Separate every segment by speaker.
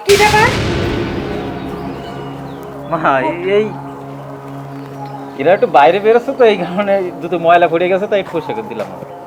Speaker 1: কি ব্যাপার?
Speaker 2: মা এই এরা একটু বাইরে বেরোচ্ছে তো এই কারণে দুটো ময়লা পড়ে গেছে তাই একটু পরিষ্কার করে দিলাম।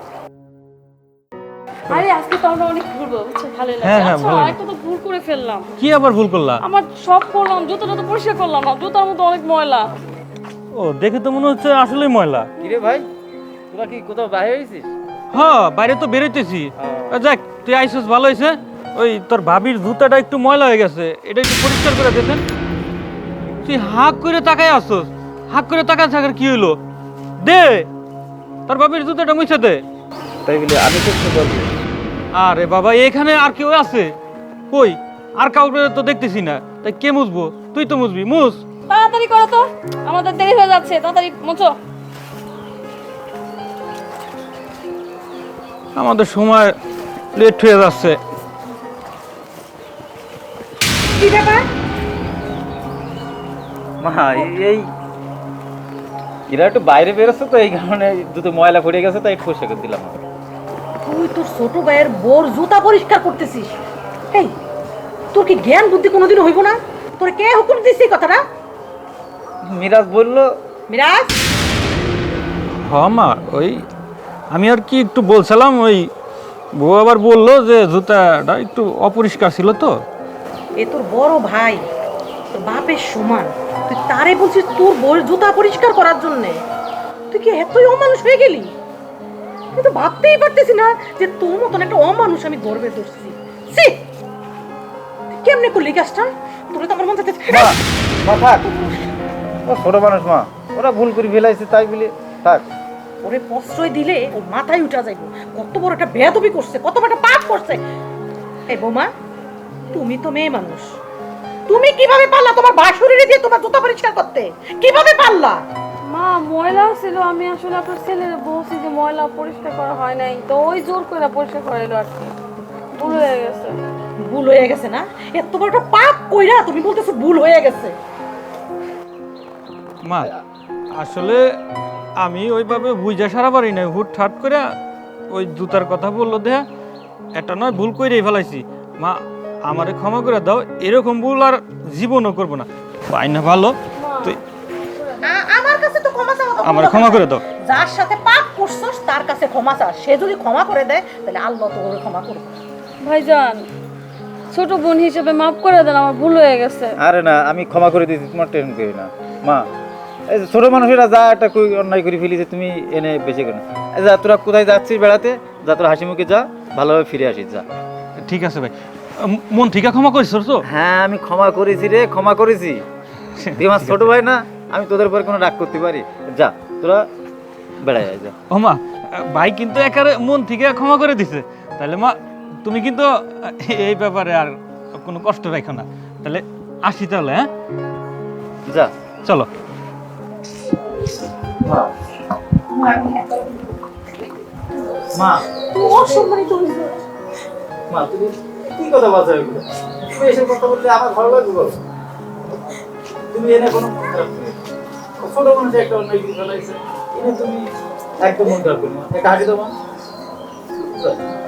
Speaker 3: আরে আজকে তো আমরা অনেক ঘুরবো, বুঝছো? ভালো লাগে।
Speaker 4: হ্যাঁ, হ্যাঁ,
Speaker 3: আচ্ছা,
Speaker 4: ভালো লাগে।
Speaker 3: একটা তো ভুল করে ফেললাম।
Speaker 4: কি আবার ভুল করলা?
Speaker 3: আমার সব করলাম, জুতোটা তো পরিষ্কার করলাম না, জুতার মধ্যে অনেক ময়লা।
Speaker 4: ও দেখে তো মনে হচ্ছে আসলেই ময়লা।
Speaker 2: কিরে ভাই, তোরা কি কোথাও বাইরে হয়েছিস?
Speaker 4: হ্যাঁ, বাইরে তো বেরোইতেছি। যাক, তুই আইসস, ভালো হয়েছে। ওই তোর ভাবির জুতাটা একটু ময়লা হয়ে গেছে, এটা একটু পরিষ্কার করে দিতেন। তুই হাঁক করে তাকায় আসছস, হাঁক করে তাকায় থাকার কি হইলো? দে তোর ভাবির জুতাটা মুছে দে।
Speaker 2: তাই বলে আমি তো বলবো।
Speaker 4: আরে বাবা, এখানে আর কেউ আছে? কই, আর কাউকে তো দেখতেছি না। তাই কে মুছবো? তুই তো মুছবি, মুছ।
Speaker 3: তাড়াতাড়ি করো তো, আমাদের দেরি হয়ে যাচ্ছে, তাড়াতাড়ি মুছো।
Speaker 4: আমাদের সময় লেট হয়ে যাচ্ছে।
Speaker 1: কি ব্যাপার?
Speaker 2: মা এই এরা একটু বাইরে বেরোচ্ছে তো এই কারণে দুটো ময়লা পড়ে গেছে তাই একটু পরিষ্কার করে দিলাম।
Speaker 1: তুই তোর ছোট ভাইয়ের বোর জুতা পরিষ্কার করতেছিস? এই, তোর কি জ্ঞান বুদ্ধি কোনোদিন হইব না? তোর কে হুকুম দিছিস কথাটা?
Speaker 2: মিরাজ বললো।
Speaker 1: মিরাজ,
Speaker 4: হ্যাঁ মা, ওই আমি আর কি একটু বলছিলাম, ওই বউ আবার বললো যে জুতাটা একটু অপরিষ্কার ছিল তো।
Speaker 1: এ তোর বড় ভাই, তোর বাপের সমান, তুই তারে বলছিস তোর বউর জুতা পরিষ্কার করার জন্যে? তুই কি এতই অমানুষ হয়ে গেলি? কিন্তু ভাবতেই পারতেছি না যে তোর মতন একটা অমানুষ আমি গর্বে ধরছি। সি, তুই কেমনে করলি কাজটা? তোরে তো আমার মন চাইতেছে।
Speaker 2: মা মা থাক, ও ছোট মানুষ মা, ওরা ভুল করে ফেলাইছে তাই বলে থাক।
Speaker 1: ওরে প্রশ্রয় দিলে ওর মাথায় উঠা যাইব কত বড় একটা বেয়াদবি করছে, কত বড় একটা পাপ করছে। এই বৌমা, তুমি তো মেয়ে মানুষ, তুমি কিভাবে পারলা তোমার বাসুরিরে দিয়ে তোমার জুতা পরিষ্কার করতে? কিভাবে পারলা?
Speaker 3: মা, ময়লা ছিল, আমি আসলে আপনার ছেলের বলছি যে ময়লা পরিষ্কার করা হয় নাই, তো ওই জোর করে পরিষ্কার করাইলো আর কি। ভুল হয়ে গেছে।
Speaker 1: ভুল হয়ে গেছে না? এত বড় একটা পাপ কইরা তুমি বলতেছো ভুল হয়ে গেছে?
Speaker 4: মা, আসলে আমি ওইভাবে বুঝা সারা পারি না, হুটহাট করে ওই জুতার কথা বললো দেয়া, এটা নয় ভুল করেই ফেলাইছি। মা, আমারে ক্ষমা করে দাও, এরকম ভুল আর জীবনও করবো না। পাই না ভালো, তুই
Speaker 1: আমার কাছে তো ক্ষমা চাওয়া তো
Speaker 4: আমার
Speaker 1: কোনো
Speaker 4: ক্ষমা
Speaker 1: কথা
Speaker 4: করে
Speaker 1: না।
Speaker 4: দাও।
Speaker 1: যার সাথে পাপ করছস তার কাছে ক্ষমা চা, সে যদি ক্ষমা করে দেয় তাহলে আল্লাহ তো ওরে ক্ষমা করবে।
Speaker 3: ভাইজান, ছোট বোন হিসেবে মাফ করে দেন, আমার ভুল হয়ে গেছে।
Speaker 2: আরে না, আমি ক্ষমা করে দিয়েছি, তোমার টেনশন করি না মা। এই যে ছোট মানুষেরা যা একটা অন্যায় করে ফেলিছে তুমি এনে বেঁচে কেন? এই যা, তোরা কোথায় যাচ্ছিস বেড়াতে, যা তোরা হাসি মুখে যা, ভালোভাবে ফিরে আসিস যা।
Speaker 4: ঠিক আছে ভাই, মন থেকে ক্ষমা করিস তো?
Speaker 2: হ্যাঁ আমি ক্ষমা করেছি রে, ক্ষমা করেছি। তুই আমার ছোট ভাই না, আমি তোদের উপর কোনো রাগ করতে পারি? যা তোরা বেড়ায় যা।
Speaker 4: ও মা, ভাই কিন্তু একেবারে মন থেকে ক্ষমা করে দিছে। তাহলে মা, তুমি কিন্তু এই ব্যাপারে আর কোনো কষ্ট রাখো না। তাহলে আসি তাহলে, হ্যাঁ
Speaker 2: যা
Speaker 4: চলো।
Speaker 2: মা,
Speaker 1: তুমি অসম্মানিত হইছো।
Speaker 2: মা তুমি কি কথা বলছো এগুলো? তুমি এসব কথা বললে আমার ভালো লাগবে বলো? তুমি এনে কোনো ছোট মানুষ একটা অন্যায় কিছু ফেলাইছে, এনে তুমি একদম মন খারাপ করো না। একটা হাসি দাও মা।